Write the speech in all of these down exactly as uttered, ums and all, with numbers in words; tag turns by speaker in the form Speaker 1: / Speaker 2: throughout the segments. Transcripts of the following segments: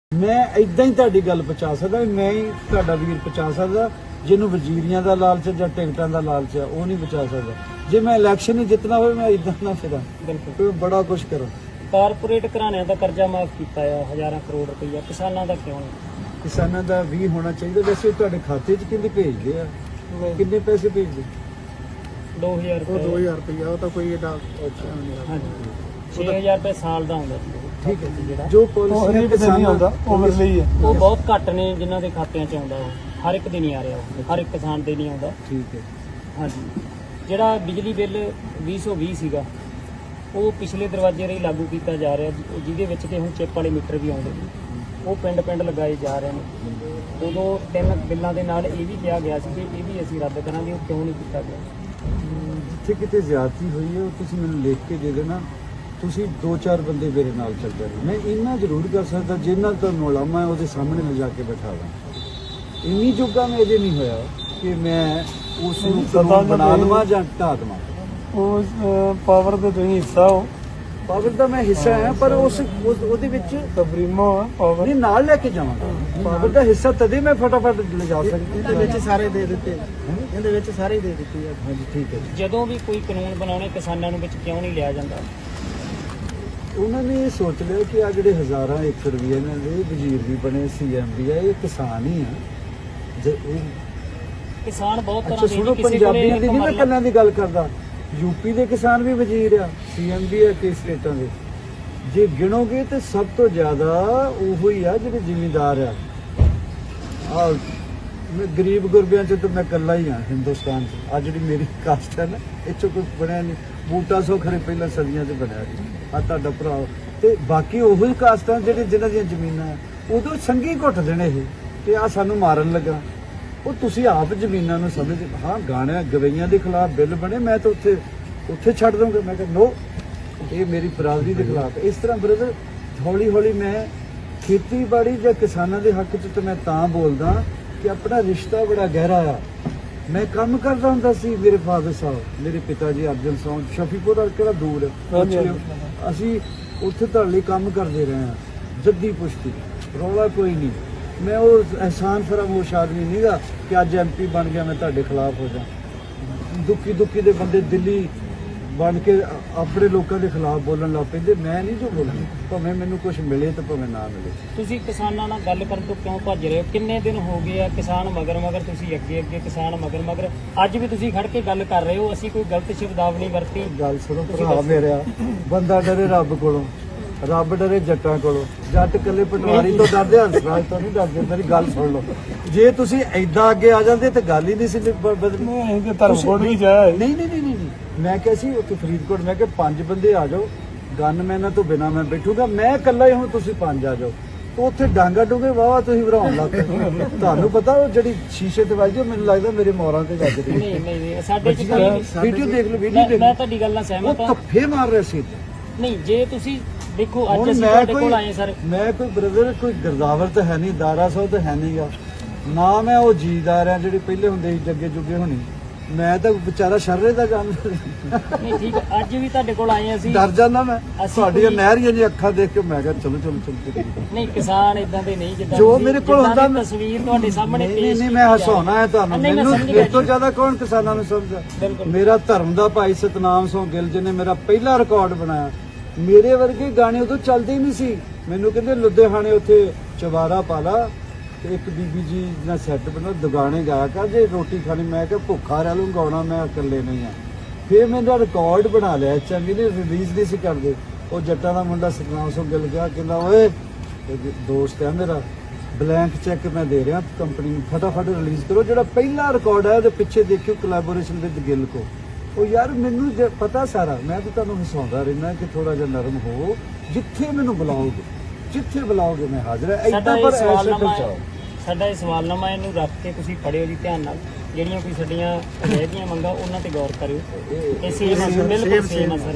Speaker 1: मैं इदा ही तुहाडी गल पहुंचा सकदा, मैं ही तुहाडा वीर पहुंचा सकदा। जिन्हों वजीरियां दा लालच है जां टिकटां दा लालच है वो नहीं पहुंचा सकदा। जे मैं इलैक्शन ही जितना होवे मैं इदा ना फिरां, बिल्कुल बड़ा कुछ करूं।
Speaker 2: कारपोरेट घराणिਆਂ ਦਾ ਕਰਜ਼ਾ ਮਾਫ ਕੀਤਾ ਆ हज़ारों करोड़ रुपया, किसानां ਦਾ ਕਿਉਂ ਨਹੀਂ?
Speaker 1: किसानां ਦਾ भी होना चाहिए। वैसे तुहाडे खाते च किंने भेजदे आ, किन्ने पैसे भेजदे?
Speaker 2: दो हज़ार
Speaker 3: ਉਹ दो हज़ार रुपया ਉਹ ਤਾਂ ਕੋਈ ਏਡਾ
Speaker 1: अच्छा
Speaker 2: ਹਾਂਜੀ छे हज़ार रुपये साल ਦਾ ਹੁੰਦਾ ਸੀ।
Speaker 1: ठीक है जी। जो पॉलिसी किसानां ਦਾ
Speaker 3: ਉਹ ਮੇਰੇ ਲਈ ਹੈ।
Speaker 2: ਉਹ ਬਹੁਤ ਘੱਟ ਨੇ ਜਿਨ੍ਹਾਂ ਦੇ ਖਾਤਿਆਂ 'ਚ ਆਉਂਦਾ, ਉਹ ਹਰ ਇੱਕ ਦੇ ਨਹੀਂ ਆ ਰਿਹਾ, ਉਹ ਹਰ ਇੱਕ ਕਿਸਾਨ ਦੇ ਨਹੀਂ ਆਉਂਦਾ।
Speaker 1: ठीक है।
Speaker 2: ਹਾਂਜੀ ਜਿਹੜਾ ਬਿਜਲੀ ਬਿੱਲ ਵੀਹ ਸੌ ਵੀਹ ਸੀਗਾ ਉਹ ਪਿਛਲੇ ਦਰਵਾਜ਼ੇ ਰਾਹੀਂ ਲਾਗੂ ਕੀਤਾ ਜਾ ਰਿਹਾ, ਜਿਹਦੇ ਵਿੱਚ ਕਿ ਹੁਣ ਚਿੱਪ ਵਾਲੇ ਮੀਟਰ ਵੀ ਆਉਂਦੇ ਨੇ, ਉਹ ਪਿੰਡ ਪਿੰਡ ਲਗਾਏ ਜਾ ਰਹੇ ਨੇ। ਉਦੋਂ ਤਿੰਨ ਬਿੱਲਾਂ ਦੇ ਨਾਲ ਇਹ ਵੀ ਕਿਹਾ ਗਿਆ ਸੀ ਕਿ ਇਹ ਵੀ ਅਸੀਂ ਰੱਦ ਕਰਾਂਗੇ, ਉਹ ਕਿਉਂ ਨਹੀਂ ਕੀਤਾ ਗਿਆ?
Speaker 1: ਜਿੱਥੇ ਕਿਤੇ ਜ਼ਿਆਦਤੀ ਹੋਈ ਹੈ ਉਹ ਤੁਸੀਂ ਮੈਨੂੰ ਲਿਖ ਕੇ ਦੇ ਦੇਣਾ। ਤੁਸੀਂ ਦੋ ਚਾਰ ਬੰਦੇ ਮੇਰੇ ਨਾਲ ਚੱਲ ਜਾਓ। ਮੈਂ ਇੰਨਾ ਜ਼ਰੂਰ ਕਰ ਸਕਦਾ ਜਿੰਨਾ ਤੁਹਾਨੂੰ ਉਲਾਮਾ ਹੈ ਉਹਦੇ ਸਾਹਮਣੇ ਲਿਜਾ ਕੇ ਬਿਠਾ ਦਾਂ। ਇੰਨੀ ਜੋਗਾ ਮੈਂ ਅਜੇ ਨਹੀਂ ਹੋਇਆ ਕਿ ਮੈਂ ਉਸ ਨੂੰ ਕਾਨੂੰਨ ਬਣਾ ਦੇਵਾਂ ਜਾਂ ਢਾਹ ਦੇਵਾਂ।
Speaker 3: ਉਹ ਪਾਵਰ ਦੇ ਤੁਸੀਂ ਹਿੱਸਾ ਹੋ,
Speaker 1: ਪਾਵਰ ਦਾ ਮੈਂ ਹਿੱਸਾ ਹਾਂ, ਪਰ ਉਸ ਉਸ- ਉਹਦੇ ਵਿੱਚ
Speaker 3: ਸੁਪਰੀਮੋ ਆ ਪਾਵਰ।
Speaker 1: ਨਹੀਂ ਨਾਲ ਲੈ ਕੇ ਜਾਵਾਂਗਾ। ਪਾਵਰ ਦਾ ਹਿੱਸਾ ਤਦੇ ਮੈਂ ਫਟਾਫਟ ਲਿਜਾ ਸਕਦਾ।
Speaker 3: ਇਹਦੇ ਵਿੱਚ ਸਾਰੇ ਦੇ ਦਿੱਤੇ, ਇਹਦੇ ਵਿੱਚ ਸਾਰੇ ਹੀ ਦੇ ਦਿੱਤੇ ਆ।
Speaker 1: ਹਾਂਜੀ ਠੀਕ ਹੈ ਜੀ।
Speaker 2: ਜਦੋਂ ਵੀ ਕੋਈ ਕਾਨੂੰਨ ਬਣਾਉਣੇ ਕਿਸਾਨਾਂ ਨੂੰ ਵਿੱਚ ਕਿਉਂ ਨਹੀਂ ਲਿਆ ਜਾਂਦਾ?
Speaker 1: ਉਹਨਾਂ ਨੇ ਇਹ ਸੋਚ ਲਿਆ ਕਿ ਆ ਜਿਹੜੇ ਹਜ਼ਾਰਾਂ ਏਕੜ ਵੀ ਇਹਨਾਂ ਦੇ ਵਜ਼ੀਰ ਵੀ ਬਣੇ, ਸੀਐਮ ਵੀ ਆ, ਇਹ ਕਿਸਾਨ ਹੀ ਆ। ਜੇ ਇਹ
Speaker 2: ਕਿਸਾਨ ਬਹੁਤ
Speaker 1: ਅੱਛਾ
Speaker 2: ਤਰ੍ਹਾਂ ਦੇ
Speaker 1: ਸੁਣੋ,
Speaker 2: ਨੇ, ਕਿਸੇ
Speaker 1: ਪੰਜਾਬੀਆਂ
Speaker 2: ਕੋਲੇ
Speaker 1: ਦੀ ਨਹੀਂ ਮੈਂ
Speaker 2: ਮਰਲਾ-
Speaker 1: ਕੱਲਿਆਂ ਦੀ ਗੱਲ ਕਰਦਾ। ਯੂਪੀ ਦੇ ਕਿਸਾਨ ਵੀ ਵਜ਼ੀਰ ਆ, ਸੀਐਮ ਵੀ ਆ ਕਈ ਸਟੇਟਾਂ ਦੇ। ਜੇ ਗਿਣੋਗੇ ਤੇ ਸਭ ਤੋਂ ਜ਼ਿਆਦਾ ਉਹੋ ਹੀ ਆ ਜਿਹੜੇ ਜ਼ਿਮੀਂਦਾਰ ਆ। ਆ ਮੈਂ ਗਰੀਬ ਗੁਰਬਿਆਂ ਚ ਤਾਂ ਮੈਂ ਇਕੱਲਾ ਹੀ ਆ ਹਿੰਦੁਸਤਾਨ ਚ। ਆ ਜਿਹੜੀ ਮੇਰੀ ਕਾਸਟ ਹੈ ਨਾ, ਇਹ ਚੋਂ ਕੁਝ ਬਣਿਆ ਨਹੀਂ। ਬੂਟਾ ਸੋ ਖਰੇ ਪਹਿਲਾਂ ਸਦੀਆਂ ਚ ਬਣਿਆ ਸੀ, ਆ ਤੁਹਾਡਾ ਭਰਾ। ਤੇ ਬਾਕੀ ਉਹੋ ਹੀ ਕਾਸਟਾਂ ਜਿਹੜੇ ਜਿਨ੍ਹਾਂ ਦੀਆਂ ਜ਼ਮੀਨਾਂ ਆ, ਉਦੋਂ ਸੰਗੀ ਘੁੱਟ ਦੇਣੇ ਇਹ ਤੇ ਆ ਸਾਨੂੰ ਮਾਰਨ ਲੱਗਾ। ਉਹ ਤੁਸੀਂ ਆਪ ਜ਼ਮੀਨਾਂ ਨੂੰ ਸਮਝ। ਹਾਂ ਗਾਣਿਆਂ ਗਵਈਆਂ ਦੇ ਖਿਲਾਫ ਬਿੱਲ ਬਣੇ, ਮੈਂ ਤਾਂ ਉੱਥੇ ਉੱਥੇ ਛੱਡ ਦੂੰਗਾ। ਮੈਂ ਕਿਹਾ ਨੋ, ਇਹ ਮੇਰੀ ਬਰਾਦਰੀ ਦੇ ਖਿਲਾਫ। ਇਸ ਤਰ੍ਹਾਂ ਬ੍ਰਦਰ ਹੌਲੀ ਹੌਲੀ ਮੈਂ ਖੇਤੀਬਾੜੀ ਜਾਂ ਕਿਸਾਨਾਂ ਦੇ ਹੱਕ 'ਚ ਤਾਂ ਮੈਂ ਤਾਂ ਬੋਲਦਾ ਕਿ ਆਪਣਾ ਰਿਸ਼ਤਾ ਬੜਾ ਗਹਿਰਾ ਆ। ਮੈਂ ਕੰਮ ਕਰਦਾ ਹੁੰਦਾ ਸੀ, ਮੇਰੇ ਫਾਦਰ ਸਾਹਿਬ, ਮੇਰੇ ਪਿਤਾ ਜੀ ਅਰਜਨ ਸਿੰਘ ਸ਼ਫੀਪੁਰ ਦਾ ਕਿਹੜਾ ਦੂਰ ਹੈ, ਪੁੱਛ ਲਿਓ। ਅਸੀਂ ਉੱਥੇ ਤੁਹਾਡੇ ਲਈ ਕੰਮ ਕਰਦੇ ਰਹੇ ਹਾਂ, ਜੱਦੀ ਪੁਸ਼ਤੀ, ਰੌਲਾ ਕੋਈ ਨਹੀਂ। ਮੈਂ ਉਹ ਅਹਿਸਾਨ ਫਰਾਮੋਸ਼ ਆਦਮੀ ਨਹੀਂਗਾ ਕਿ ਅੱਜ ਐਮਪੀ ਬਣ ਗਿਆ ਮੈਂ ਤੁਹਾਡੇ ਖਿਲਾਫ ਹੋ ਜਾ। ਦੁੱਖੀ ਦੁੱਖੀ ਦੇ ਬੰਦੇ ਦਿੱਲੀ ਬਣ ਕੇ ਆਪਣੇ ਲੋਕਾਂ ਦੇ ਖਿਲਾਫ ਬੋਲਣ ਲੱਗ ਪੈਂਦੇ। ਮੈਂ ਨਹੀਂ ਜੋ ਬੋਲਣਾ, ਭਾਵੇਂ ਮੈਨੂੰ ਕੁਝ ਮਿਲੇ ਤੇ ਭਾਵੇਂ ਨਾ ਮਿਲੇ।
Speaker 2: ਤੁਸੀਂ ਕਿਸਾਨਾਂ ਨਾਲ ਗੱਲ ਕਰਨ ਤੋਂ ਕਿਉਂ ਭੱਜ ਰਹੇ ਹੋ? ਕਿੰਨੇ ਦਿਨ ਹੋ ਗਏ ਆ ਕਿਸਾਨ ਮਗਰ ਮਗਰ, ਤੁਸੀਂ ਅੱਗੇ ਅੱਗੇ ਕਿਸਾਨ ਮਗਰ ਮਗਰ। ਅੱਜ ਵੀ ਤੁਸੀਂ ਖੜ ਕੇ ਗੱਲ ਕਰ ਰਹੇ ਹੋ, ਅਸੀਂ ਕੋਈ ਗਲਤ ਸ਼ਬਦਾਵਲੀ ਵਰਤੀ?
Speaker 1: ਗੱਲ ਸੁਣੋ ਭਰਾ ਮੇਰਿਆ, ਬੰਦਾ ਡਰੇ ਰੱਬ ਕੋਲੋਂ, ਰੱਬ ਡਰੇ ਜੱਟਾਂ ਕੋਲੋਂ। ਜੱਟ ਕੱਲੇ ਪਟਵਾਰੀ ਤੋਂ ਡਰਦੇ, ਹੰਸਰਾਜ ਤੋਂ ਨਹੀਂ ਡਰਦੇ। ਮੇਰੀ ਗੱਲ ਸੁਣ ਲਓ, ਜੇ ਤੁਸੀਂ ਐਦਾਂ ਅੱਗੇ ਆ ਜਾਂਦੇ ਤਾਂ ਗੱਲ ਹੀ ਨਹੀਂ ਸੀ ਬਦਲਣੀ।
Speaker 3: ਇਹ ਧਰਮਕੋਟ ਵੀ ਜਾਇਆ।
Speaker 1: ਨਹੀਂ ਨਹੀਂ ਨਹੀਂ ਨਹੀਂ ਮੈਂ ਕਿਹਾ ਸੀ ਉੱਥੇ ਫਰੀਦਕੋਟ, ਮੈਂ ਕਿਹਾ ਪੰਜ ਬੰਦੇ ਆ ਜਾਓ, ਗਨਮੈਨਾਂ ਤੋਂ ਬਿਨਾਂ ਮੈਂ ਬੈਠੂਗਾ। ਮੈਂ ਇਕੱਲਾ ਹੀ, ਹੁਣ ਤੁਸੀਂ ਪੰਜ ਆ ਜਾਓ। ਤਾਂ ਉੱਥੇ ਡਾਂਗਾ ਡੂਗੇ ਵਾਵਾ ਤੁਸੀਂ ਭਰਾਉਣ ਲੱਗ ਪਏ। ਤੁਹਾਨੂੰ ਪਤਾ ਉਹ ਜਿਹੜੀ ਸ਼ੀਸ਼ੇ ਤੇ ਵੱਜਦੀ, ਮੈਨੂੰ ਲੱਗਦਾ ਮੇਰੇ ਮੋਰਾਂ ਤੇ ਵੱਜਦੀ।
Speaker 2: ਨਹੀਂ ਨਹੀਂ ਨਹੀਂ ਸਾਡੇ ਚ
Speaker 1: ਵੀਡੀਓ ਦੇਖ ਲਓ, ਵੀਡੀਓ
Speaker 2: ਮੈਂ
Speaker 1: ਦੇਖ
Speaker 2: ਮੈਂ
Speaker 1: ਲਓ।
Speaker 2: ਤੁਹਾਡੀ ਗੱਲ ਨਾਲ
Speaker 1: ਉਹ
Speaker 2: ਸਹਿਮਤ ਹਾਂ।
Speaker 1: ਧੱਫੇ ਮਾਰ ਰਹੇ ਸੀ।
Speaker 2: ਨਹੀਂ ਜੇ ਤੁਸੀਂ ਦੇਖੋ ਅੱਜ
Speaker 1: ਹੁਣ
Speaker 2: ਅਸੀਂ
Speaker 1: ਮੈਂ
Speaker 2: ਤੁਹਾਡੇ
Speaker 1: ਕੋਈ
Speaker 2: ਕੋਲ ਆਏ ਸਰ।
Speaker 1: ਮੈਂ ਕੋਈ ਬ੍ਰਦਰ ਕੋਈ ਗਰਦਾਵਰ ਤਾਂ ਹੈ ਨਹੀਂ, ਦਾਰਾ ਸਾਹਿਬ ਤਾਂ ਹੈ ਨਹੀਂਗਾ ਨਾ। ਮੈਂ ਉਹ ਜੀਦਾਰ ਆ ਜਿਹੜੇ ਪਹਿਲੇ ਹੁੰਦੇ ਸੀ ਜੱਗੇ ਜੁਗੇ ਹੋਣੀ। ਮੈਂ ਤਾਂ ਵਿਚਾਰਾ ਸ਼ਰਰੇ ਦਾ ਜਾਣਦਾ।
Speaker 2: ਨਹੀਂ ਠੀਕ ਹੈ, ਅੱਜ ਵੀ ਤੁਹਾਡੇ ਕੋਲ ਆਏ ਅਸੀਂ।
Speaker 1: ਡਰ ਜਾਂਦਾ ਮੈਂ
Speaker 2: ਅਸੀਂ
Speaker 1: ਤੁਹਾਡੀਆਂ
Speaker 2: ਕੋਈ-
Speaker 1: ਨਹਿਰੀਆਂ ਜੀ ਅੱਖਾਂ ਦੇਖ ਕੇ। ਮੈਂ ਕਿਹਾ ਚਲੋ ਚਲੋ ਚਲੋ।
Speaker 2: ਨਹੀਂ ਕਿਸਾਨ ਇਦਾਂ ਦੇ ਨਹੀਂ ਜਿੱਦਾਂ
Speaker 1: ਜੋ
Speaker 2: ਤੁਸੀਂ-
Speaker 1: ਮੇਰੇ ਕੋਲ
Speaker 2: ਜਿੱਦਾਂ
Speaker 1: ਹੁੰਦਾ
Speaker 2: ਦੀ ਤਸਵੀਰ ਤੁਹਾਡੇ ਸਾਹਮਣੇ
Speaker 1: ਨਹੀਂ
Speaker 2: ਪੇਸ਼
Speaker 1: ਨਹੀਂ ਮੈਂ
Speaker 2: ਕੀਤੀ ਜਾ
Speaker 1: ਹਸਾਉਣਾ ਹੈ ਤੁਹਾਨੂੰ।
Speaker 2: ਨਹੀਂ, ਮੈਂ
Speaker 1: ਮੈਨੂੰ
Speaker 2: ਸਮਝ ਗਿਆ
Speaker 1: ਇਸ ਤੋਂ
Speaker 2: ਜੀ।
Speaker 1: ਜ਼ਿਆਦਾ ਕੌਣ ਕਿਸਾਨਾਂ ਨੂੰ ਸਮਝਦਾ?
Speaker 2: ਬਿਲਕੁਲ।
Speaker 1: ਮੇਰਾ ਧਰਮ ਦਾ ਭਾਈ ਸਤਨਾਮ ਸਿੰਘ ਗਿੱਲ ਜੀ ਨੇ ਮੇਰਾ ਪਹਿਲਾ ਰਿਕਾਰਡ ਬਣਾਇਆ। ਮੇਰੇ ਵਰਗੇ ਗਾਣੇ ਉਦੋਂ ਚੱਲਦੇ ਹੀ ਨਹੀਂ ਸੀ। ਮੈਨੂੰ ਕਹਿੰਦੇ ਲੁਧਿਆਣੇ ਉੱਥੇ ਚਵਾਰਾ ਪਾ ਲਾ ਤੇ ਇੱਕ ਬੀਬੀ ਜੀ ਦਾ ਸੈੱਟ ਬਣਾ, ਦੁਗਾਣੇ ਗਾਇਆ ਕਰ ਜੇ ਰੋਟੀ ਖਾਣੀ। ਮੈਂ ਕਿਹਾ ਭੁੱਖਾ ਰਹਿ ਲੂੰ, ਗਾਉਣਾ ਮੈਂ ਇਕੱਲੇ ਨਹੀਂ ਆ। ਫਿਰ ਮੇਰਾ ਰਿਕਾਰਡ ਬਣਾ ਲਿਆ। ਚੰਗੀ ਨੇ ਰਿਲੀਜ਼ ਨਹੀਂ ਸੀ ਕਰਦੇ। ਉਹ ਜੱਟਾਂ ਦਾ ਮੁੰਡਾ ਸਤਨਾਮ ਸਿੰਘ ਗਿੱਲ ਗਿਆ, ਕਹਿੰਦਾ ਓਏ ਇਹ ਦੋਸਤ ਹੈ ਮੇਰਾ, ਬਲੈਂਕ ਚੈੱਕ ਮੈਂ ਦੇ ਰਿਹਾ ਕੰਪਨੀ ਨੂੰ, ਫਟਾਫਟ ਰਿਲੀਜ਼ ਕਰੋ। ਜਿਹੜਾ ਪਹਿਲਾ ਰਿਕਾਰਡ ਹੈ ਉਹਦੇ ਪਿੱਛੇ ਦੇਖਿਓ ਕੋਲੈਬੋਰੇਸ਼ਨ ਵਿਦ ਗਿੱਲ ਕੋ। ਉਹ ਯਾਰ ਮੈਨੂੰ ਜੇ ਪਤਾ ਸਾਰਾ, ਮੈਂ ਤਾਂ ਤੁਹਾਨੂੰ ਹਸਾਉਂਦਾ ਰਹਿਣਾ ਕਿ ਥੋੜਾ ਜਿਹਾ ਨਰਮ ਹੋ। ਜਿੱਥੇ ਮੈਨੂੰ ਬੁਲਾਓਗੇ, ਜਿੱਥੇ ਬੁਲਾਓਗੇ ਮੈਂ ਹਾਜ਼ਰ ਹਾਂ।
Speaker 2: ਸਾਡਾ
Speaker 1: ਏਦਾਂ
Speaker 2: ਇਹ
Speaker 1: ਪਰ ਐਸੇ
Speaker 2: ਸਵਾਲਨਾਮਾ
Speaker 1: ਪਹੁੰਚਾਓ।
Speaker 2: ਸਾਡਾ ਇਹ ਸਵਾਲਨਾਮਾ ਇਹਨੂੰ ਰੱਖ ਕੇ ਤੁਸੀਂ ਪੜ੍ਹਿਓ ਜੀ ਧਿਆਨ ਨਾਲ। ਜਿਹੜੀਆਂ ਕੋਈ ਸਾਡੀਆਂ ਰਹਿ ਗਈਆਂ ਮੰਗਾਂ ਉਹਨਾਂ ਤੇ ਗੌਰ ਕਰਿਓ। ਇਹ ਸੇਮ ਅਸਰ, ਬਿਲਕੁਲ ਸੇਮ ਅਸਰ।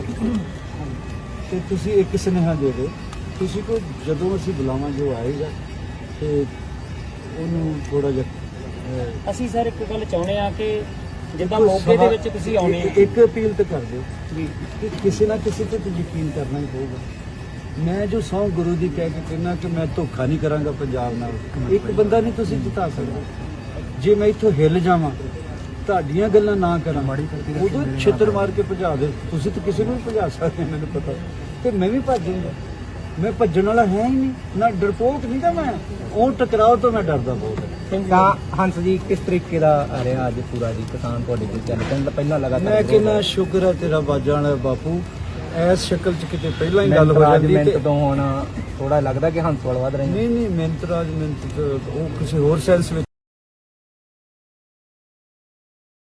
Speaker 1: ਤੇ ਤੁਸੀਂ ਇੱਕ ਸੁਨੇਹਾ ਦੇ ਦਿਓ, ਤੁਸੀਂ ਕੋ ਜਦੋਂ ਅਸੀਂ ਬੁਲਾਵਾਂਗੇ ਉਹ ਆਏਗਾ ਤੇ ਉਹਨੂੰ ਥੋੜਾ ਜਿਹਾ।
Speaker 2: ਅਸੀਂ ਸਰ ਇੱਕ ਗੱਲ ਚਾਹੁੰਦੇ ਆ ਕਿ ਜਿੱਦਾਂ ਮੌਕੇ ਦੇ ਵਿੱਚ ਤੁਸੀਂ ਆਉਣੇ
Speaker 1: ਇੱਕ ਅਪੀਲ ਤਾਂ ਕਰ ਦਿਓ
Speaker 2: ਜੀ
Speaker 1: ਕਿ ਕਿਸੇ ਨਾ ਕਿਸੇ ਤੇ ਤਾਂ ਯਕੀਨ ਕਰਨਾ ਹੀ ਪਊਗਾ। ਮੈਂ ਜੋ ਸਹੁੰ ਗੁਰੂ ਦੀ ਕਹਿ ਕੇ ਕਹਿੰਦਾ ਕਿ ਮੈਂ ਧੋਖਾ ਨਹੀਂ ਕਰਾਂਗਾ ਪੰਜਾਬ ਨਾਲ, ਇੱਕ ਬੰਦਾ ਨਹੀਂ ਤੁਸੀਂ ਜਿਤਾ ਸਕਦੇ। ਜੇ ਮੈਂ ਇੱਥੋਂ ਹਿੱਲ ਜਾਵਾਂ, ਤੁਹਾਡੀਆਂ ਗੱਲਾਂ ਨਾ ਕਰਾਂ, ਉਦੋਂ ਛਿੱਤਰ ਮਾਰ ਕੇ ਭਜਾ ਦੇ। ਤੁਸੀਂ ਤਾਂ ਕਿਸੇ ਨੂੰ ਵੀ ਭਜਾ ਸਕਦੇ, ਮੈਨੂੰ ਪਤਾ, ਤੇ ਮੈਂ ਵੀ ਭੱਜੂੰਗਾ। ਮੈਂ ਭੱਜਣ ਵਾਲਾ ਹੈ ਹੀ ਨਹੀਂ, ਨਾ ਡਰਪੋਕ ਨਹੀਂ ਤਾਂ ਮੈਂ, ਉਹ ਟਕਰਾਓ ਤੋਂ ਮੈਂ ਡਰਦਾ ਬਹੁਤ।
Speaker 3: ਤਾਂ ਹੰਸ ਜੀ ਕਿਸ ਤਰੀਕੇ ਦਾ ਆ ਰਿਹਾ ਅੱਜ ਪੂਰਾ ਜੀ ਕਿਸਾਨ ਤੁਹਾਡੇ ਕੋਲ ਚੱਲ ਪੈਂਦਾ ਪਹਿਲਾਂ ਲਗਾਤਾਰ
Speaker 1: ਮੈਂ ਕਹਿੰਦਾ ਸ਼ੁਕਰ ਹੈ ਤੇਰਾ ਬਾਜਾਂ ਵਾਲਾ ਬਾਪੂ, ਐਸ ਸ਼ਕਲ ਚ ਕਿਤੇ ਪਹਿਲਾਂ ਹੀ ਗੱਲ ਹੋ ਜਾਂਦੀ
Speaker 3: ਮਿਹਨਤ
Speaker 1: ਤੇ
Speaker 3: ਤੋਂ ਹੁਣ ਥੋੜਾ ਲੱਗਦਾ ਕਿ ਹੰਸ ਵਾਲ ਵੱਧ ਰਹੇ ਨੇ।
Speaker 1: ਨਹੀਂ ਨਹੀਂ ਮਿਹਨਤ ਰਾਜ ਮਿਹਨਤ ਤਾਂ ਉਹ ਕਿਸੇ ਹੋਰ ਸੈਂਸ ਵਿੱਚ